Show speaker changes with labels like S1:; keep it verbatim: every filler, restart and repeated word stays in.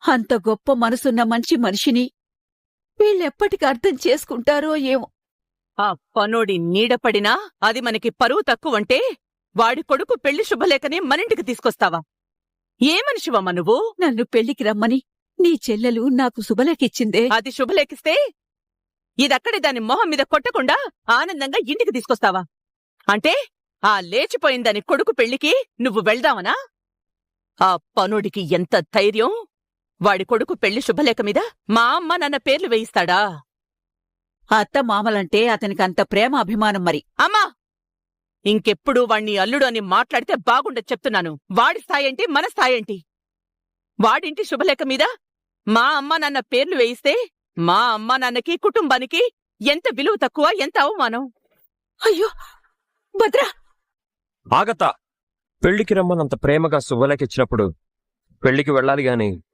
S1: అంత గొప్ప మనసున్న మంచి మనిషిని వీళ్ళెప్పటికి అర్థం చేసుకుంటారో ఏమో.
S2: ఆ పనోడి నీడపడినా అది మనకి పరువు తక్కువంటే వాడి కొడుకు పెళ్లి శుభలేఖని మనింటికి తీసుకొస్తావా? ఏ మనిషివమ్మ నువ్వు?
S1: నన్ను పెళ్లికి రమ్మని నీ చెల్లెలు నాకు శుభలేఖిచ్చిందే.
S2: అది శుభలేఖిస్తే ఇదక్కడే దాని మొహం మీద కొట్టకుండా ఆనందంగా ఇంటికి తీసుకొస్తావా? అంటే ఆ లేచిపోయిందని కొడుకు పెళ్లికి నువ్వు వెళ్దావనా? ఆ పనుడికి ఎంత ధైర్యం! వాడి కొడుకు పెళ్లి శుభలేఖ మీద మా అమ్మ నాన్న పేర్లు వేయిస్తాడా?
S1: అత్త మామలంటే అతనికంత ప్రేమ అభిమానం మరి.
S2: అమ్మా, ఇంకెప్పుడు వాణ్ణి అల్లుడు అని మాట్లాడితే బాగుండదు చెప్తున్నాను. వాడి స్థాయేంటి, మన స్థాయేంటి? వాడింటి శుభలేఖ మీద మా అమ్మ నాన్న పేర్లు వేయిస్తే మా అమ్మ నాన్నకి కుటుంబానికి ఎంత విలువ తక్కువ, ఎంత అవమానం!
S1: అయ్యో భద్రా!
S3: ఆగతా! పెళ్లికి రమ్మనంత ప్రేమగా శుభలేఖిచ్చినప్పుడు పెళ్లికి వెళ్ళాలి గాని